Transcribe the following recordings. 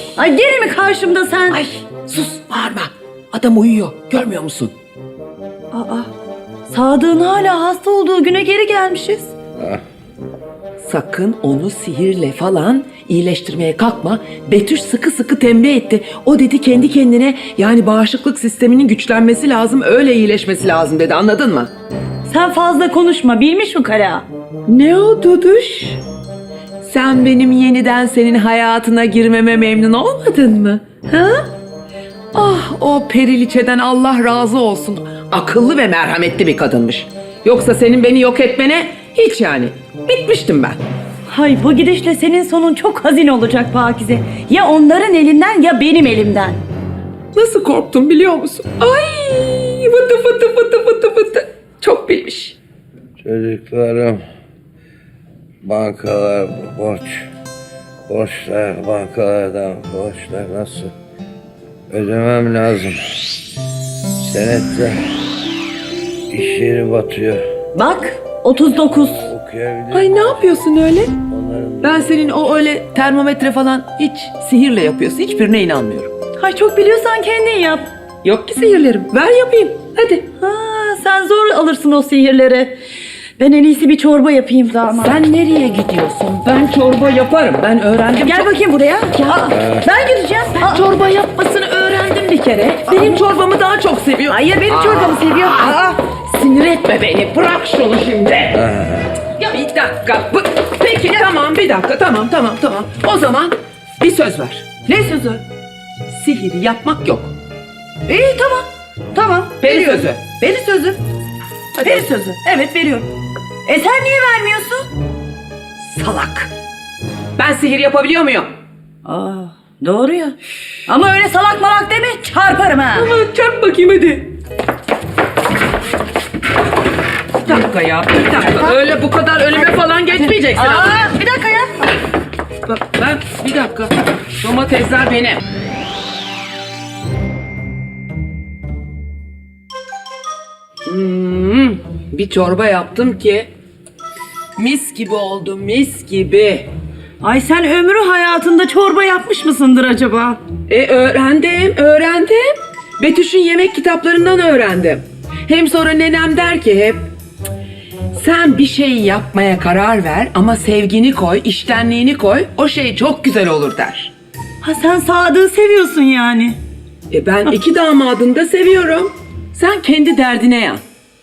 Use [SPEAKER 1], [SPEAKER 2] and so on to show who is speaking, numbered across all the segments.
[SPEAKER 1] Ay gene mi karşımda sen?
[SPEAKER 2] Ay sus, bağırma. Adam uyuyor, görmüyor musun?
[SPEAKER 1] Aa, Sadık'ın hala hasta olduğu güne geri gelmişiz.
[SPEAKER 2] Sakın onu sihirle falan iyileştirmeye kalkma. Betüş sıkı sıkı tembih etti. O dedi kendi kendine, yani bağışıklık sisteminin güçlenmesi lazım, öyle iyileşmesi lazım dedi, anladın mı?
[SPEAKER 1] Sen fazla konuşma, bilmiş mi Kara?
[SPEAKER 2] Ne o Duduş? Sen benim yeniden senin hayatına girmeme memnun olmadın mı? Ha? Ah, o Periliçe'den Allah razı olsun. Akıllı ve merhametli bir kadınmış. Yoksa senin beni yok etmene hiç yani. Bitmiştim ben.
[SPEAKER 1] Hay bu gidişle senin sonun çok hazin olacak Pakize. Ya onların elinden ya benim elimden.
[SPEAKER 2] Nasıl korktum biliyor musun? Ay, vıtı vıtı vıtı vıtı vıtı. Çok bilmiş.
[SPEAKER 3] Çocuklarım, bankalar borç, borçlar, bankalardan borçlar nasıl ödemem lazım. Senette iş yeri batıyor.
[SPEAKER 1] Bak 39.
[SPEAKER 3] Okuyabilir
[SPEAKER 2] Ay ne yapıyorsun öyle?
[SPEAKER 3] onların
[SPEAKER 2] Ben senin o öyle termometre falan hiç sihirle yapıyorsun. Hiçbirine inanmıyorum.
[SPEAKER 1] Hay çok biliyorsan kendin yap.
[SPEAKER 2] Yok ki sihirlerim. Ver yapayım. Hadi.
[SPEAKER 1] Ha, sen zor alırsın o sihirleri. Ben en iyisi bir çorba yapayım damat.
[SPEAKER 2] Sen nereye gidiyorsun? Ben çorba yaparım. Ben öğrendim.
[SPEAKER 1] Gel bakayım buraya. Aa, ben gideceğim.
[SPEAKER 2] Ben çorba yapmasını öğrendim bir kere. Benim çorbamı daha çok seviyor.
[SPEAKER 1] Hayır benim çorbamı seviyor. Aa,
[SPEAKER 2] Sinir etme beni. Bırak şunu şimdi. Ya bir dakika. Peki tamam, bir dakika. Tamam. O zaman bir söz ver.
[SPEAKER 1] ne sözü?
[SPEAKER 2] Sihir yapmak yok.
[SPEAKER 1] İyi tamam. Tamam.
[SPEAKER 2] Peri
[SPEAKER 1] veriyorum.
[SPEAKER 2] sözü.
[SPEAKER 1] Peri sözü.
[SPEAKER 2] Hadi.
[SPEAKER 1] Peri sözü. Evet veriyorum. Sen niye vermiyorsun?
[SPEAKER 2] Salak. Ben sihir yapabiliyor muyum?
[SPEAKER 1] Aa, doğru ya. Ama öyle salak malak deme, çarparım ha.
[SPEAKER 2] Ama çarp bakayım hadi. Bir dakika ya, bir dakika. Öyle bu kadar önüme falan geçmeyeceksin.
[SPEAKER 1] Aa, bir dakika ya.
[SPEAKER 2] Bak ben, bir dakika. Domatesler benim. Bir çorba yaptım ki mis gibi oldu, mis gibi.
[SPEAKER 1] Ay sen ömrü hayatında çorba yapmış mısındır acaba?
[SPEAKER 2] Öğrendim. Betüş'ün yemek kitaplarından öğrendim. Hem sonra nenem der ki hep, sen bir şey yapmaya karar ver ama sevgini koy, içtenliğini koy, o şey çok güzel olur der.
[SPEAKER 1] Ha sen Sadık'ı seviyorsun yani.
[SPEAKER 2] Ben iki damadını da seviyorum. Sen kendi derdine yan.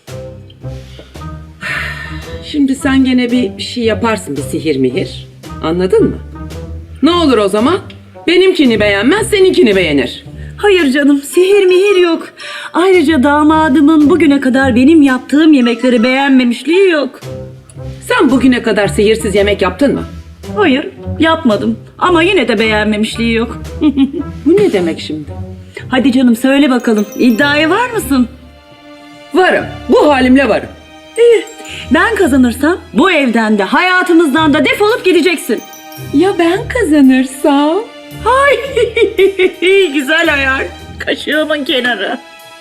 [SPEAKER 2] Şimdi sen gene bir şey yaparsın, bir sihir mihir. Anladın mı? Ne olur o zaman? Benimkini beğenmez, seninkini beğenir.
[SPEAKER 1] Hayır canım, sihir mihir yok. Ayrıca damadımın bugüne kadar benim yaptığım yemekleri beğenmemişliği yok.
[SPEAKER 2] Sen bugüne kadar sihirsiz yemek yaptın mı?
[SPEAKER 1] Hayır, yapmadım. Ama yine de beğenmemişliği yok.
[SPEAKER 2] Bu ne demek şimdi?
[SPEAKER 1] Hadi canım söyle bakalım, iddiaya var mısın?
[SPEAKER 2] Varım, bu halimle varım.
[SPEAKER 1] İyi, ben kazanırsam bu evden de hayatımızdan da defolup gideceksin.
[SPEAKER 2] Ya ben kazanırsam?
[SPEAKER 1] Ay, güzel hayal. Kaşığımın kenarı.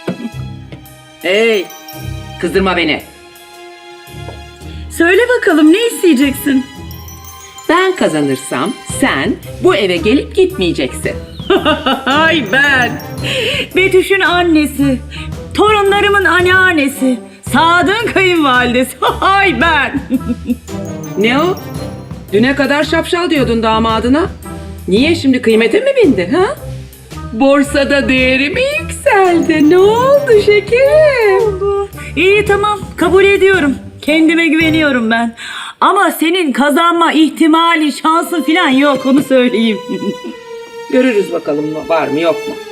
[SPEAKER 2] Hey, kızdırma beni.
[SPEAKER 1] Söyle bakalım ne isteyeceksin?
[SPEAKER 2] Ben kazanırsam sen bu eve gelip gitmeyeceksin.
[SPEAKER 1] Ay ben. Betüş'ün annesi. Torunlarımın anneannesi. Sadık'ın kayınvalidesi. Ay ben.
[SPEAKER 2] Ne o? Düne kadar şapşal diyordun damadına. Niye şimdi kıymete mi bindi ha? Borsada değeri mi yükseldi? Ne oldu şekerim?
[SPEAKER 1] İyi tamam kabul ediyorum. Kendime güveniyorum ben. Ama senin kazanma ihtimali, şansın falan yok onu söyleyeyim.
[SPEAKER 2] Görürüz bakalım var mı yok mu?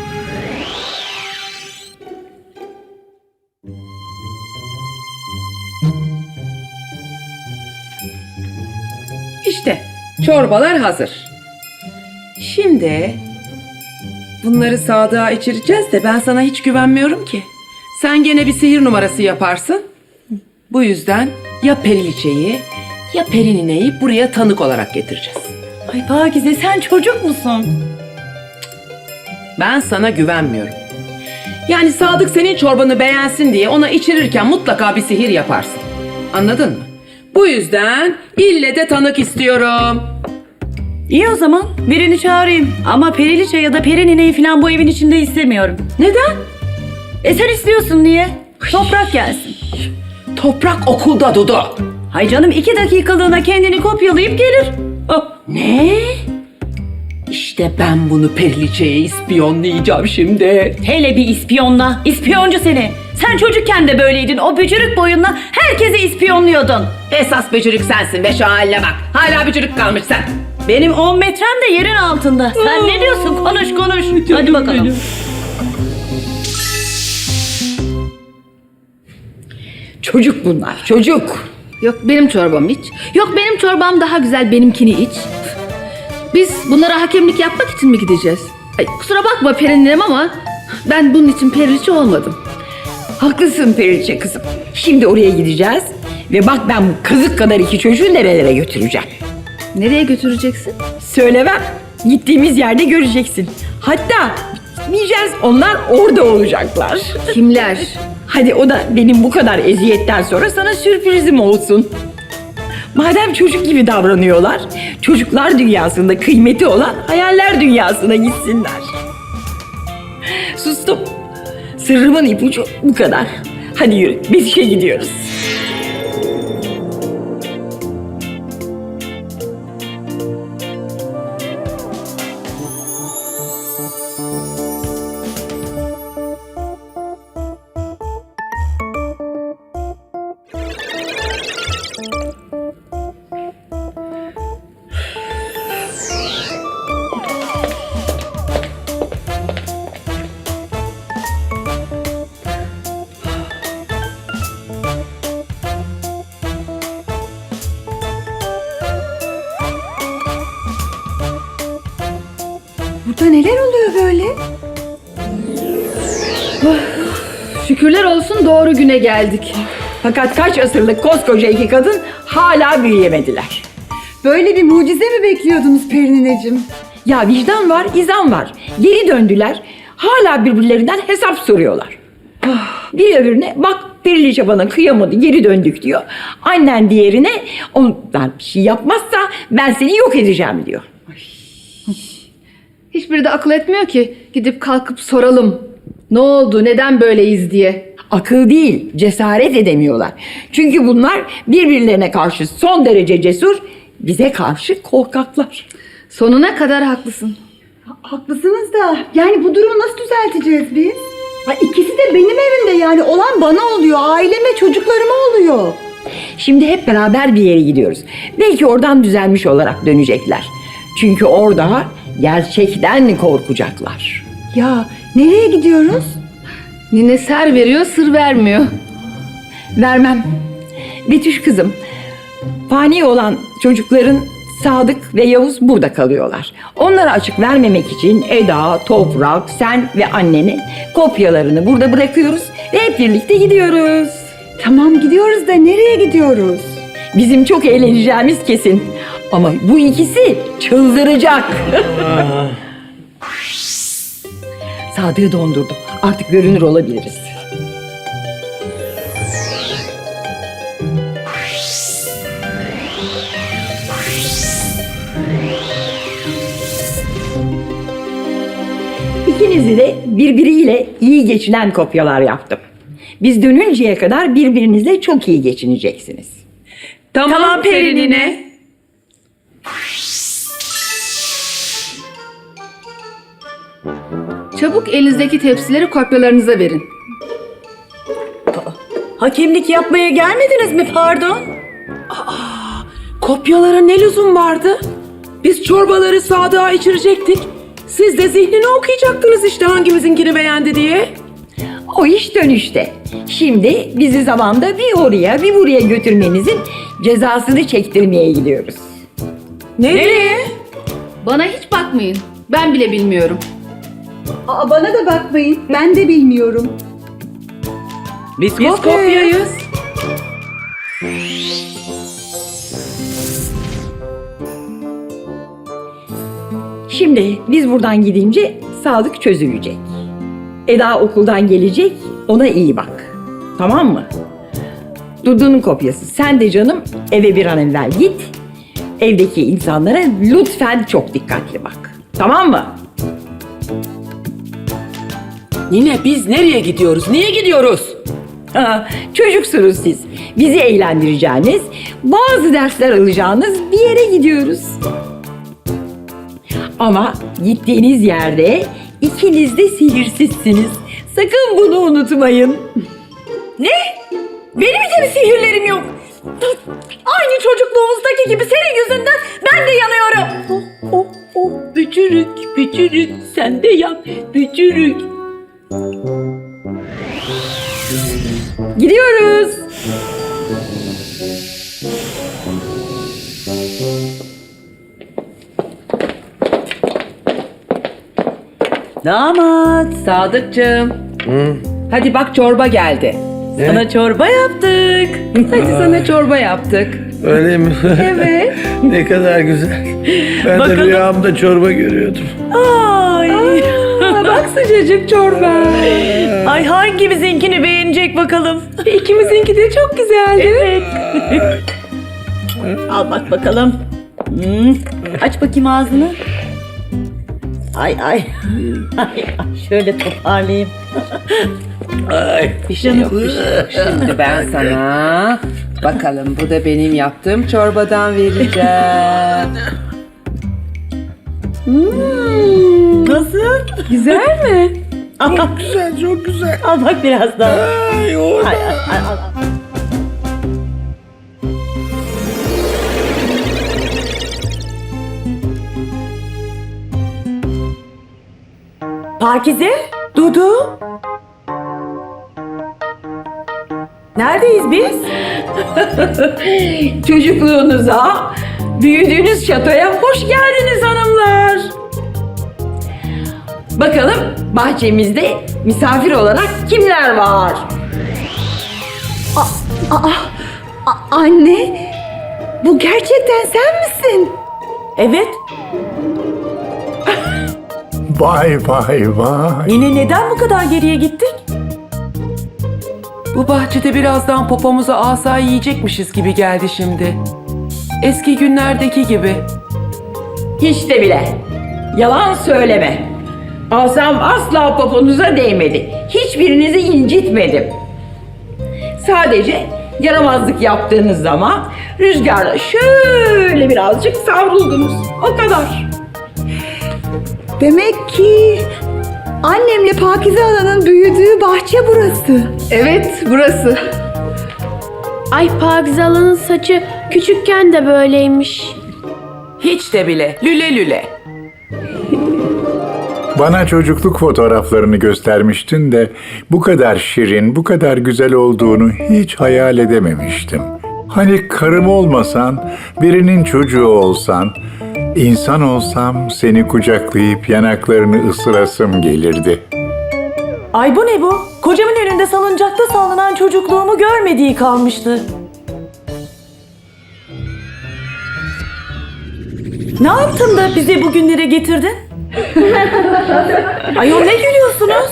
[SPEAKER 2] İşte çorbalar hazır. Şimdi bunları Sadık'a içireceğiz de ben sana hiç güvenmiyorum ki. Sen gene bir sihir numarası yaparsın. Bu yüzden ya Periliçe'yi ya Perinine'yi buraya tanık olarak getireceğiz.
[SPEAKER 1] Ay Pakize sen çocuk musun?
[SPEAKER 2] Ben sana güvenmiyorum. Yani Sadık senin çorbanı beğensin diye ona içirirken mutlaka bir sihir yaparsın. Anladın mı? Bu yüzden ille de tanık istiyorum.
[SPEAKER 1] İyi o zaman birini çağırayım. Ama Periliçe ya da Perinine'yi falan bu evin içinde istemiyorum.
[SPEAKER 2] Neden?
[SPEAKER 1] Sen istiyorsun diye. Toprak gelsin.
[SPEAKER 2] Toprak okulda Dudu.
[SPEAKER 1] Hay canım 2 dakikalığına kendini kopyalayıp gelir. Oh.
[SPEAKER 2] Ne? İşte ben bunu Periliçe'ye ispiyonlayacağım şimdi.
[SPEAKER 1] Hele bir ispiyonla. İspiyoncu seni. Sen çocukken de böyleydin. O bücürük boyunla herkesi ispiyonluyordun.
[SPEAKER 2] Esas bücürük sensin be, şu haline bak. Hala bücürük kalmış sen.
[SPEAKER 1] Benim 10 metrem de yerin altında. Sen ne diyorsun? Konuş konuş. Hadi bakalım.
[SPEAKER 2] Çocuk bunlar, çocuk.
[SPEAKER 4] Yok benim çorbam iç. Yok benim çorbam daha güzel, benimkini iç. Biz bunlara hakemlik yapmak için mi gideceğiz? Ay, kusura bakma Perinim ama ben bunun için periliçe olmadım.
[SPEAKER 2] Haklısın Periliçe kızım. Şimdi oraya gideceğiz ve bak ben bu kazık kadar iki çocuğu nerelere götüreceğim.
[SPEAKER 4] Nereye götüreceksin?
[SPEAKER 2] Söylemem. Gittiğimiz yerde göreceksin. Hatta gitmeyeceğiz, onlar orada olacaklar.
[SPEAKER 4] Kimler?
[SPEAKER 2] Hadi o da benim bu kadar eziyetten sonra sana sürprizim olsun. Madem çocuk gibi davranıyorlar, çocuklar dünyasında kıymeti olan hayaller dünyasına gitsinler. Sustum. Sırrımın ipucu bu kadar. Hadi yürü, biz işe gidiyoruz.
[SPEAKER 5] Burada neler oluyor böyle?
[SPEAKER 4] Şükürler olsun doğru güne geldik.
[SPEAKER 2] Fakat kaç asırlık koskoca iki kadın hala büyüyemediler.
[SPEAKER 5] Böyle bir mucize mi bekliyordunuz Perinineciğim?
[SPEAKER 2] Ya vicdan var, izan var. Geri döndüler. Hala birbirlerinden hesap soruyorlar. Bir öbürüne bak Periliçe bana kıyamadı, geri döndük diyor. Annen diğerine onlar bir şey yapmazsa ben seni yok edeceğim diyor.
[SPEAKER 4] Hiçbiri de akıl etmiyor ki gidip kalkıp soralım. Ne oldu, neden böyleyiz diye.
[SPEAKER 2] Akıl değil, cesaret edemiyorlar. Çünkü bunlar birbirlerine karşı son derece cesur, bize karşı korkaklar.
[SPEAKER 4] Sonuna kadar haklısın.
[SPEAKER 5] Haklısınız da yani bu durumu nasıl düzelteceğiz biz? Ha, ikisi de benim evimde, yani olan bana oluyor, aileme, çocuklarıma oluyor.
[SPEAKER 2] Şimdi hep beraber bir yere gidiyoruz. Belki oradan düzelmiş olarak dönecekler. Çünkü orada gerçekten korkacaklar.
[SPEAKER 5] Ya nereye gidiyoruz?
[SPEAKER 4] Nine ser veriyor, sır vermiyor.
[SPEAKER 2] Vermem. Betüş kızım, fani olan çocukların Sadık ve Yavuz burada kalıyorlar. Onlara açık vermemek için Eda, Toprak, sen ve annenin kopyalarını burada bırakıyoruz ve hep birlikte gidiyoruz.
[SPEAKER 5] Tamam gidiyoruz da nereye gidiyoruz?
[SPEAKER 2] Bizim çok eğleneceğimiz kesin. Ama bu ikisi çıldıracak. Sadık'ı dondurdum. Artık görünür olabiliriz. İkinizi de birbiriyle iyi geçinen kopyalar yaptım. Biz dönünceye kadar birbirinizle çok iyi geçineceksiniz. Tamam Perinine.
[SPEAKER 4] Çabuk elinizdeki tepsileri kopyalarınıza verin.
[SPEAKER 1] Hakemlik yapmaya gelmediniz mi pardon?
[SPEAKER 2] Kopyalara ne lüzum vardı? Biz çorbaları Sadık'a içirecektik. Siz de zihnini okuyacaktınız işte hangimizinkini beğendi diye. O iş dönüşte. Şimdi bizi zamanda bir oraya bir buraya götürmenizin cezasını çektirmeye gidiyoruz. Nereye?
[SPEAKER 4] Bana hiç bakmayın. Ben bile bilmiyorum.
[SPEAKER 5] Aa, bana da bakmayın, ben de bilmiyorum.
[SPEAKER 2] Biz kopyayız. Şimdi biz buradan gidince Sadık çözülecek. Eda okuldan gelecek, ona iyi bak. Tamam mı? Dudu'nun kopyası. Sen de canım eve bir an evvel git.
[SPEAKER 6] evdeki insanlara lütfen çok dikkatli bak. Tamam mı?
[SPEAKER 2] Nine biz nereye gidiyoruz? Niye gidiyoruz?
[SPEAKER 6] Ha, çocuksunuz siz. Bizi eğlendireceğiniz, bazı dersler alacağınız bir yere gidiyoruz. Ama gittiğiniz yerde ikiniz de sihirsizsiniz. Sakın bunu unutmayın.
[SPEAKER 1] Ne? Benim hiç mi sihirlerim yok? Aynı çocukluğumuzdaki gibi senin yüzünden ben de yanıyorum.
[SPEAKER 6] Bücürük, bücürük, sen de yan, bücürük. Gidiyoruz.
[SPEAKER 1] Damat,
[SPEAKER 2] Sadıkçığım. Hadi bak çorba geldi.
[SPEAKER 1] sana çorba yaptık.
[SPEAKER 2] Hadi sana çorba yaptık.
[SPEAKER 3] Öyle mi?
[SPEAKER 2] Evet.
[SPEAKER 3] Ne kadar güzel. Ben
[SPEAKER 1] Bakalım.
[SPEAKER 3] de rüyamda çorba görüyordum.
[SPEAKER 1] Ay.
[SPEAKER 2] Bak sıcacık çorba.
[SPEAKER 1] Ay hangimizinkini beğenecek bakalım.
[SPEAKER 2] İkimizinki de çok güzeldi.
[SPEAKER 1] Evet. Al bak bakalım. Aç bakayım ağzını. Ay ay. Ay, şöyle toparlayayım.
[SPEAKER 3] Ay.
[SPEAKER 2] Bir şey yok, bir şey yok. Şimdi ben sana bakalım bu da benim yaptığım çorbadan vereceğim.
[SPEAKER 1] Nasıl?
[SPEAKER 2] Güzel mi?
[SPEAKER 3] Çok güzel, çok güzel.
[SPEAKER 1] Al bak biraz daha.
[SPEAKER 3] Ay, o
[SPEAKER 1] Ay, ay, al. Pakize, Dudu. Neredeyiz biz?
[SPEAKER 6] Çocukluğunuza, büyüdüğünüz şatoya hoş geldiniz hanımlar. Bakalım bahçemizde misafir olarak kimler var?
[SPEAKER 5] Anne, bu gerçekten sen misin?
[SPEAKER 1] Evet.
[SPEAKER 7] Vay vay vay.
[SPEAKER 1] Yine neden bu kadar geriye gittik?
[SPEAKER 2] Bu bahçede birazdan popomuza asa yiyecekmişiz gibi geldi şimdi. Eski günlerdeki gibi.
[SPEAKER 6] Hiç de bile. Yalan söyleme. Asam asla poponuza değmedi. Hiçbirinizi incitmedim. Sadece yaramazlık yaptığınız zaman rüzgarla şöyle birazcık savruldunuz. O kadar.
[SPEAKER 5] Demek ki annemle Pakize Ana'nın büyüdüğü bahçe burası.
[SPEAKER 4] Evet, burası. Ay Pakize Hala'nın saçı küçükken de böyleymiş.
[SPEAKER 2] Hiç de bile. Lüle lüle.
[SPEAKER 7] Bana çocukluk fotoğraflarını göstermiştin de bu kadar şirin, bu kadar güzel olduğunu hiç hayal edememiştim. Hani karım olmasan, birinin çocuğu olsan, insan olsam seni kucaklayıp yanaklarını ısırasım gelirdi.
[SPEAKER 1] Ay bu ne bu? Kocamın önünde salıncakta sallanan çocukluğumu görmediği kalmıştı. Ne yaptın da bizi bugünlere getirdin? Ayol ne gülüyorsunuz?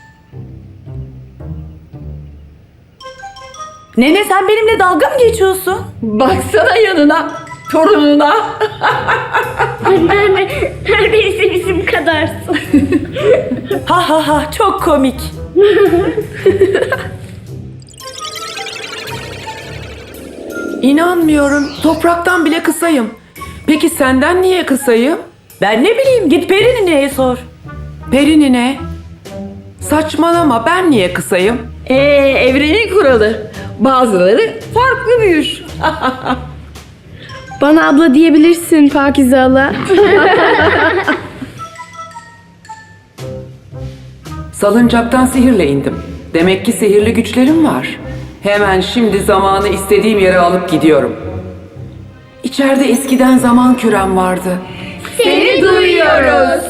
[SPEAKER 1] Nene sen benimle dalga mı geçiyorsun?
[SPEAKER 6] Baksana yanına, torununa.
[SPEAKER 4] Anneanne, neredeyse bizim kadarsın.
[SPEAKER 1] Ha ha ha çok komik.
[SPEAKER 2] İnanmıyorum. Topraktan bile kısayım. Peki senden niye kısayım?
[SPEAKER 1] Ben ne bileyim git Perine'ye sor.
[SPEAKER 2] Perinine. Saçmalama, ben niye kısayım?
[SPEAKER 6] Evrenin kuralı. Bazıları farklı büyür.
[SPEAKER 4] Bana abla diyebilirsin Pakize Hala.
[SPEAKER 2] Salıncaktan sihirle indim. Demek ki sihirli güçlerim var. Hemen şimdi zamanı istediğim yere alıp gidiyorum. İçeride eskiden zaman kürem vardı.
[SPEAKER 6] Seni duyuyoruz.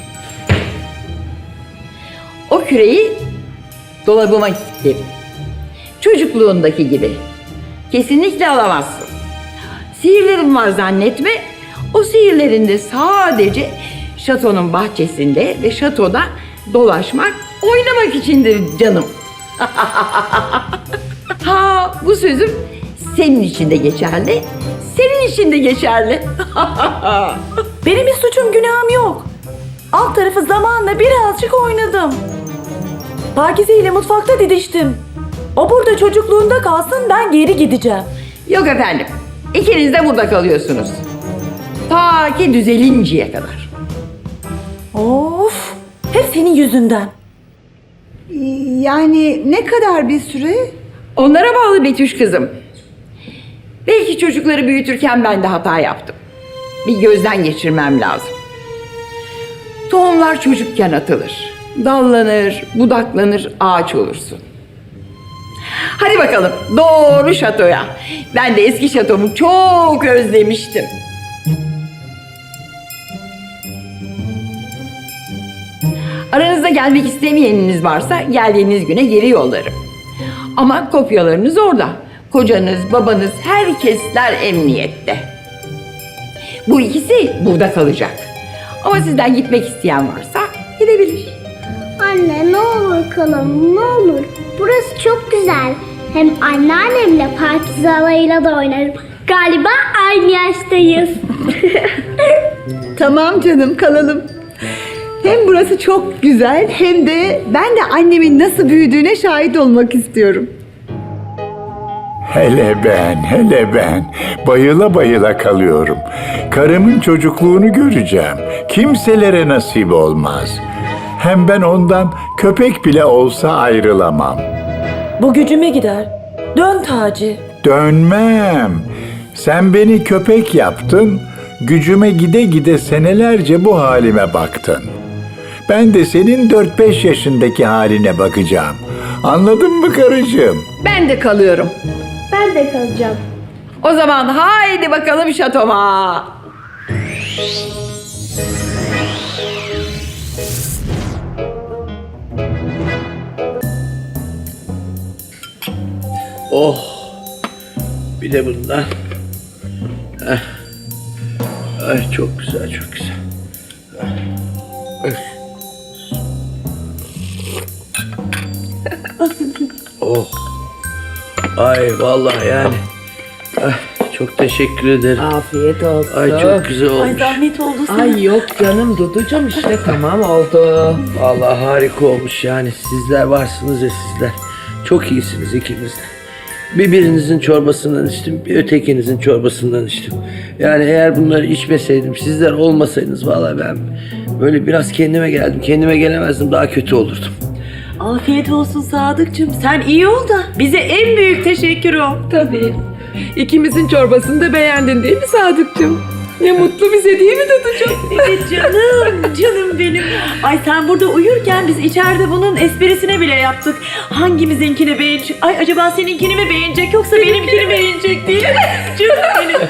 [SPEAKER 6] O küreyi dolabıma kilitledim. Çocukluğundaki gibi. Kesinlikle alamazsın. Sihirlerim var zannetme. O sihirlerin de sadece şatonun bahçesinde ve şatoda dolaşmak, oynamak içindir canım. Ha, bu sözüm senin için de geçerli, senin için de geçerli.
[SPEAKER 1] Benim bir suçum günahım yok. Alt tarafı zamanla birazcık oynadım. Pakize ile mutfakta didiştim. O burada çocukluğunda kalsın, ben geri gideceğim.
[SPEAKER 6] Yok efendim, ikiniz de burada kalıyorsunuz. Ta ki düzelinceye kadar.
[SPEAKER 1] Of, hep senin yüzünden.
[SPEAKER 5] Yani ne kadar bir süre?
[SPEAKER 6] Onlara bağlı Betüş kızım. Belki çocukları büyütürken ben de hata yaptım. Bir gözden geçirmem lazım. Tohumlar çocukken atılır. Dallanır, budaklanır, ağaç olursun. Hadi bakalım doğru şatoya. Ben de eski şatomu çok özlemiştim. Aranızda gelmek istemeyeniniz varsa geldiğiniz güne geri yollarım. Ama kopyalarınız orada. Kocanız, babanız, herkesler emniyette. Bu ikisi burada kalacak. Ama sizden gitmek isteyen varsa gidebilir.
[SPEAKER 8] Anne ne olur kalalım ne olur. Burası çok güzel. Hem anneannemle Pakize halayla da oynarım. Galiba aynı yaştayız.
[SPEAKER 5] Tamam canım, kalalım. Hem burası çok güzel hem de ben de annemin nasıl büyüdüğüne şahit olmak istiyorum.
[SPEAKER 7] Hele ben bayıla bayıla kalıyorum. Karımın çocukluğunu göreceğim. Kimselere nasip olmaz. Hem ben ondan köpek bile olsa ayrılamam.
[SPEAKER 1] Bu gücüme gider. Dön Taci.
[SPEAKER 7] Dönmem. Sen beni köpek yaptın, gücüme gide gide senelerce bu halime baktın. Ben de senin 4-5 yaşındaki haline bakacağım. Anladın mı karıcığım?
[SPEAKER 6] Ben de kalıyorum.
[SPEAKER 8] Ben de kalacağım.
[SPEAKER 6] O zaman haydi bakalım şatoma.
[SPEAKER 3] Oh. Bir de bundan. Heh. Ay çok güzel, çok güzel. Ay. Oh. Ay vallahi yani. Ay, çok teşekkür ederim.
[SPEAKER 2] Afiyet olsun.
[SPEAKER 3] Ay çok güzel
[SPEAKER 1] Ay
[SPEAKER 3] olmuş.
[SPEAKER 1] zahmet oldu sana.
[SPEAKER 2] Ay yok canım Duducuğum, işte tamam oldu.
[SPEAKER 3] Vallahi harika olmuş yani. Sizler varsınız ya sizler. Çok iyisiniz ikiniz de. Birinizin çorbasından içtim, bir ötekinizin çorbasından içtim. Yani eğer bunları içmeseydim, sizler olmasaydınız vallahi ben böyle biraz kendime geldim. Kendime gelemezdim, daha kötü olurdum.
[SPEAKER 1] Afiyet olsun Sadıkçım. Sen iyi ol da bize en büyük teşekkür o.
[SPEAKER 2] Tabii. İkimizin çorbasını da beğendin değil mi Sadıkçım? Ne mutlu bize değil mi Duducuğum?
[SPEAKER 1] Evet canım benim. Ay sen burada uyurken biz içeride bunun esprisine bile yaptık. Hangimizinkini beğenecek? Ay acaba seninkini mi beğenecek yoksa benimkini beğenecek değil mi? Canım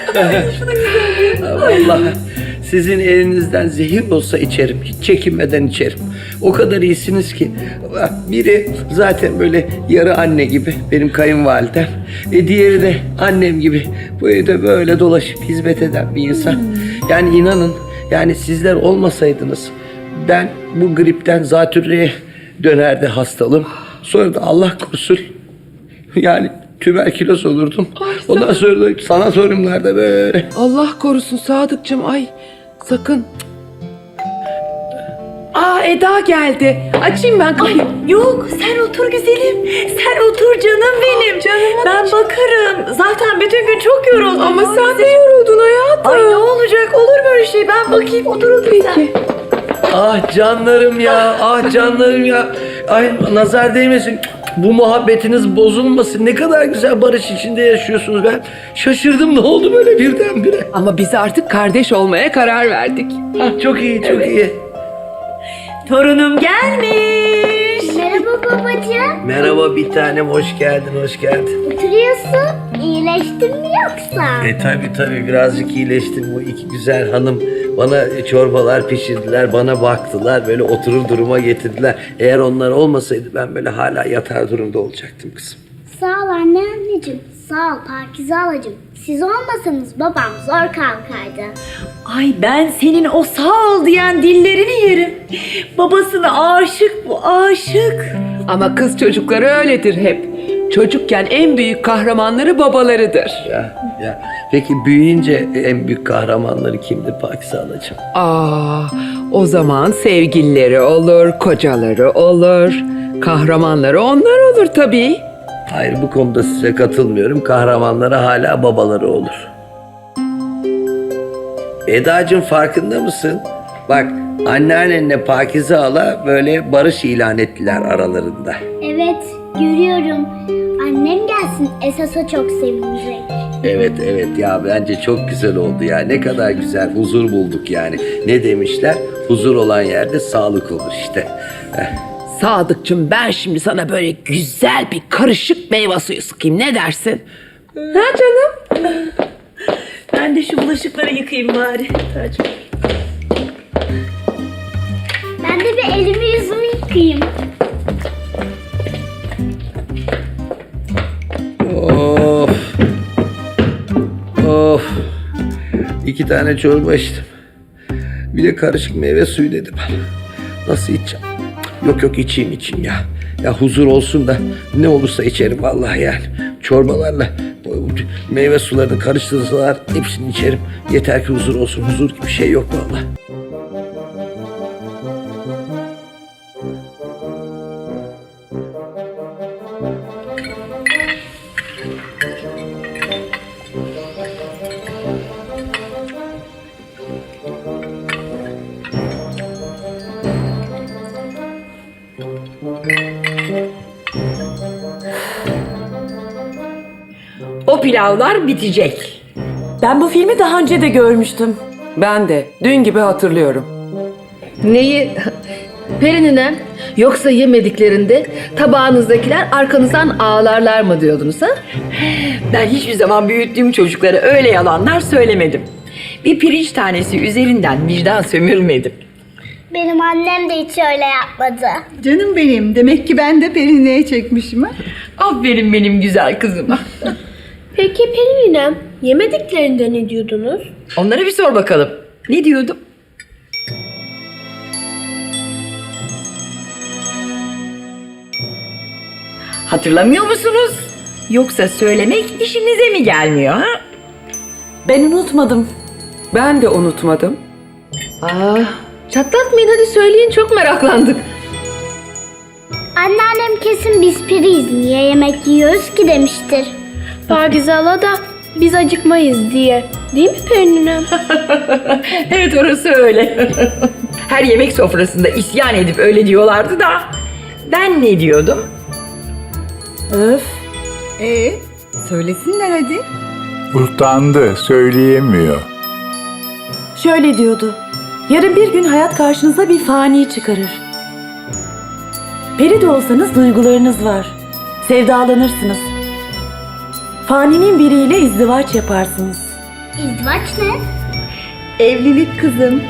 [SPEAKER 1] benim.
[SPEAKER 3] Vallahi sizin elinizden zehir olsa içerim. Hiç çekinmeden içerim. O kadar iyisiniz ki. Biri zaten böyle yarı anne gibi benim kayınvalidem. Diğeri de annem gibi. Bu evde böyle dolaşıp hizmet eden bir insan. Yani inanın yani sizler olmasaydınız ben bu gripten zatürreye dönerdi hastalığım. Sonra da Allah korusun yani tüberküloz olurdum. Ondan sonra da sanatoryumlarda böyle.
[SPEAKER 2] Allah korusun Sadıkçım, ay sakın. Aa Eda geldi. Açayım ben kapıyı.
[SPEAKER 1] Yok sen otur güzelim. Sen otur canım benim. Ben bakarım. Zaten bütün gün çok yoruldum.
[SPEAKER 2] Ama sen de yoruldun hayatım.
[SPEAKER 1] Ay ne olacak, olur böyle şey. Ben bakayım, otur sen.
[SPEAKER 2] Peki.
[SPEAKER 3] Ah canlarım ya, ah canlarım ya. Ay nazar değmesin. Bu muhabbetiniz bozulmasın. Ne kadar güzel barış içinde yaşıyorsunuz. Ben şaşırdım, ne oldu böyle birdenbire.
[SPEAKER 2] Ama biz artık kardeş olmaya karar verdik.
[SPEAKER 3] Ah çok iyi, çok iyi.
[SPEAKER 1] Torunum gelmiş.
[SPEAKER 8] Merhaba babacığım.
[SPEAKER 3] Merhaba bir tanem, hoş geldin, hoş geldin.
[SPEAKER 8] Oturuyorsun. İyileştin mi yoksa?
[SPEAKER 3] Tabii birazcık iyileştim. Bu iki güzel hanım bana çorbalar pişirdiler, bana baktılar, böyle oturur duruma getirdiler. Eğer onlar olmasaydı ben böyle hala yatar durumda olacaktım kızım.
[SPEAKER 8] Sağ ol anne anneciğim. Sağ ol Pakize halacığım. Siz olmasanız babam zor kalkardı.
[SPEAKER 1] Ay ben senin o sağ ol diyen dillerini yerim. Babasına aşık bu, aşık.
[SPEAKER 2] Ama kız çocukları öyledir hep. Çocukken en büyük kahramanları babalarıdır.
[SPEAKER 3] Ya. Peki büyüyünce en büyük kahramanları kimdi Pakize Halacığım?
[SPEAKER 2] O zaman sevgilileri olur, kocaları olur. Kahramanları onlar olur tabii.
[SPEAKER 3] Hayır, bu konuda size katılmıyorum. Kahramanları hala babaları olur. Edacığım, farkında mısın? Bak, anneannenle Pakize Hala böyle barış ilan ettiler aralarında.
[SPEAKER 8] Evet, görüyorum. Annem gelsin, esas o çok sevinecek.
[SPEAKER 3] Evet ya, bence çok güzel oldu ya. Ne kadar güzel, huzur bulduk yani. Ne demişler? Huzur olan yerde sağlık olur işte.
[SPEAKER 2] Sadıkçım, ben şimdi sana böyle güzel bir karışık meyve suyu sıkayım, ne dersin? Ha canım?
[SPEAKER 1] Ben de şu bulaşıkları yıkayayım bari. Tacım.
[SPEAKER 8] Ben de bir elimi yüzümü yıkayayım.
[SPEAKER 3] Of. 2 tane çorba içtim. Bir de karışık meyve suyu dedim. Nasıl içeceğim? Yok içeyim ya. Ya huzur olsun da ne olursa içerim vallahi yani. Çorbalarla meyve sularını karıştırsalar hepsini içerim. Yeter ki huzur olsun. Huzur gibi bir şey yok vallahi.
[SPEAKER 6] O pilavlar bitecek.
[SPEAKER 1] Ben bu filmi daha önce de görmüştüm.
[SPEAKER 2] Ben de dün gibi hatırlıyorum.
[SPEAKER 4] Neyi? Perininem, yoksa yemediklerinde tabağınızdakiler arkanızdan ağlarlar mı diyordunuz ha?
[SPEAKER 6] Ben hiçbir zaman büyüttüğüm çocuklara öyle yalanlar söylemedim. Bir pirinç tanesi üzerinden vicdan sömürmedim.
[SPEAKER 8] Benim annem de hiç öyle yapmadı.
[SPEAKER 5] Canım benim. Demek ki ben de Perine'ye çekmişim ha.
[SPEAKER 6] Aferin benim güzel kızıma.
[SPEAKER 8] Peki Pelin'im, yemediklerinde ne diyordunuz?
[SPEAKER 6] Onlara bir sor bakalım. Ne diyordum? Hatırlamıyor musunuz? Yoksa söylemek işinize mi gelmiyor ha?
[SPEAKER 1] Ben unutmadım.
[SPEAKER 2] Ben de unutmadım.
[SPEAKER 4] Çatlatmayın, hadi söyleyin, çok meraklandık.
[SPEAKER 8] Anneannem kesin biz piriyiz, niye yemek yiyoruz ki demiştir. Pakize Hala da biz acıkmayız diye. Değil mi Pelin'im?
[SPEAKER 6] Evet, orası öyle. Her yemek sofrasında isyan edip öyle diyorlardı da ben ne diyordum?
[SPEAKER 1] Öf.
[SPEAKER 5] Söylesinler hadi.
[SPEAKER 7] Utandı, söyleyemiyor.
[SPEAKER 1] Şöyle diyordu. Yarın bir gün hayat karşınıza bir fani çıkarır. Peri de olsanız duygularınız var. Sevdalanırsınız. Faninin biriyle izdivaç yaparsınız.
[SPEAKER 8] İzdivaç ne?
[SPEAKER 5] Evlilik kızım.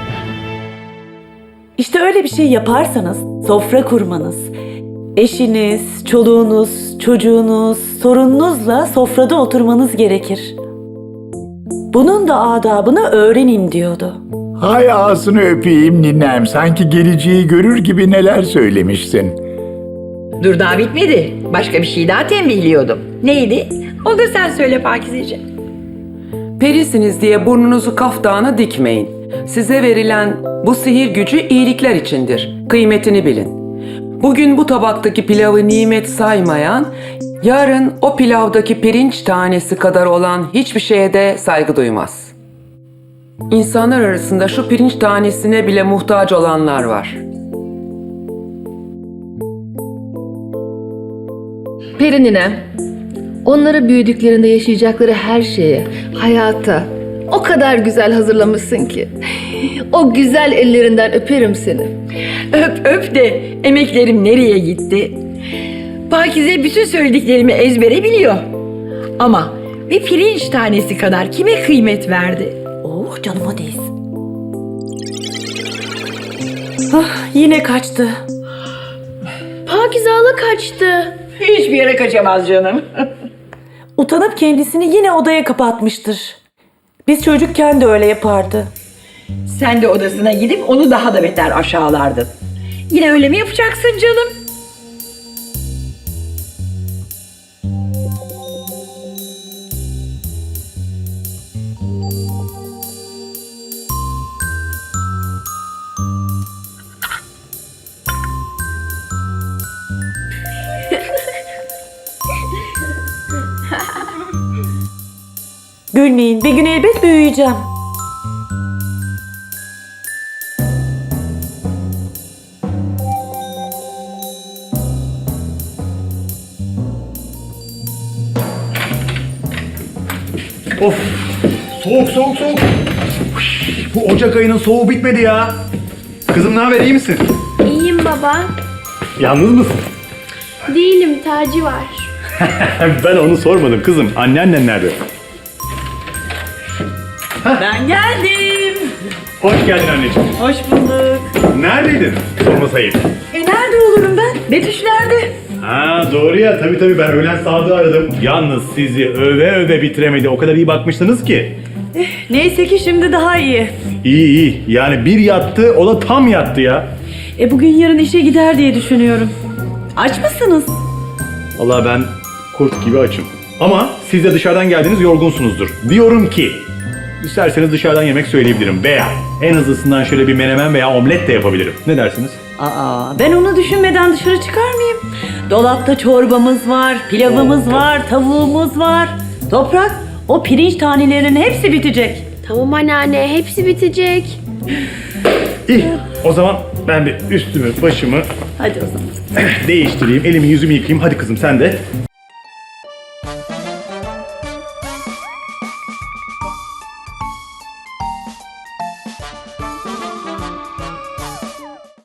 [SPEAKER 1] İşte öyle bir şey yaparsanız sofra kurmanız, eşiniz, çoluğunuz, çocuğunuz, sorununuzla sofrada oturmanız gerekir. Bunun da adabını öğrenin diyordu.
[SPEAKER 7] Hay ağzını öpeyim ninem, sanki geleceği görür gibi neler söylemişsin.
[SPEAKER 6] Dur, daha bitmedi. Başka bir şey daha tembihliyordum. Neydi? O da sen söyle Pakizeciğim.
[SPEAKER 2] Perisiniz diye burnunuzu kaftana dikmeyin. Size verilen bu sihir gücü iyilikler içindir. Kıymetini bilin. Bugün bu tabaktaki pilavı nimet saymayan, yarın o pilavdaki pirinç tanesi kadar olan hiçbir şeye de saygı duymaz. İnsanlar arasında şu pirinç tanesine bile muhtaç olanlar var.
[SPEAKER 4] Perininem, onları büyüdüklerinde yaşayacakları her şeye, hayata o kadar güzel hazırlamışsın ki. O güzel ellerinden öperim seni.
[SPEAKER 6] Öp de emeklerim nereye gitti? Pakize bütün söylediklerimi ezbere biliyor. Ama bir pirinç tanesi kadar kime kıymet verdi?
[SPEAKER 1] Oh canıma değsin. Yine kaçtı.
[SPEAKER 8] Pakize Hala kaçtı.
[SPEAKER 6] Hiçbir yere kaçamaz canım.
[SPEAKER 1] Utanıp kendisini yine odaya kapatmıştır. Biz çocukken de öyle yapardı.
[SPEAKER 6] Sen de odasına gidip onu daha da beter aşağılardın. Yine öyle mi yapacaksın canım?
[SPEAKER 1] Gülmeyin, bir gün elbet büyüyeceğim.
[SPEAKER 9] Of! Soğuk soğuk soğuk. Bu Ocak ayının soğuğu bitmedi ya. Kızım ne haber, iyi misin?
[SPEAKER 8] İyiyim baba.
[SPEAKER 9] Yalnız mısın?
[SPEAKER 8] Değilim, Taci var.
[SPEAKER 9] Ben onu sormadım kızım. Anneannen nerede?
[SPEAKER 1] Ben geldim.
[SPEAKER 9] Hoş geldin anneciğim.
[SPEAKER 1] Hoş bulduk.
[SPEAKER 9] Neredeydin? Sormasayım.
[SPEAKER 1] Nerede olurum ben? Betüş nerede?
[SPEAKER 9] Ha doğru ya, tabii ben öğlen Sadık'ı aradım. Yalnız sizi öve öve bitiremedi. O kadar iyi bakmıştınız ki.
[SPEAKER 1] Neyse ki şimdi daha iyi.
[SPEAKER 9] İyi. Yani bir yattı, o da tam yattı ya.
[SPEAKER 1] Bugün yarın işe gider diye düşünüyorum. Aç mısınız?
[SPEAKER 9] Vallahi ben kurt gibi açım. Ama siz de dışarıdan geldiniz, yorgunsunuzdur. Diyorum ki isterseniz dışarıdan yemek söyleyebilirim veya en hızlısından şöyle bir menemen veya omlet de yapabilirim. Ne dersiniz?
[SPEAKER 1] Ben onu düşünmeden dışarı çıkar mıyım? Dolapta çorbamız var, pilavımız var, tavuğumuz var. Toprak, o pirinç tanelerinin hepsi bitecek.
[SPEAKER 8] Tamam anneanne, hepsi bitecek.
[SPEAKER 9] İyi. O zaman ben bir üstümü, başımı
[SPEAKER 1] Hadi o zaman.
[SPEAKER 9] değiştireyim, elimi yüzümü yıkayayım. Hadi kızım sen de.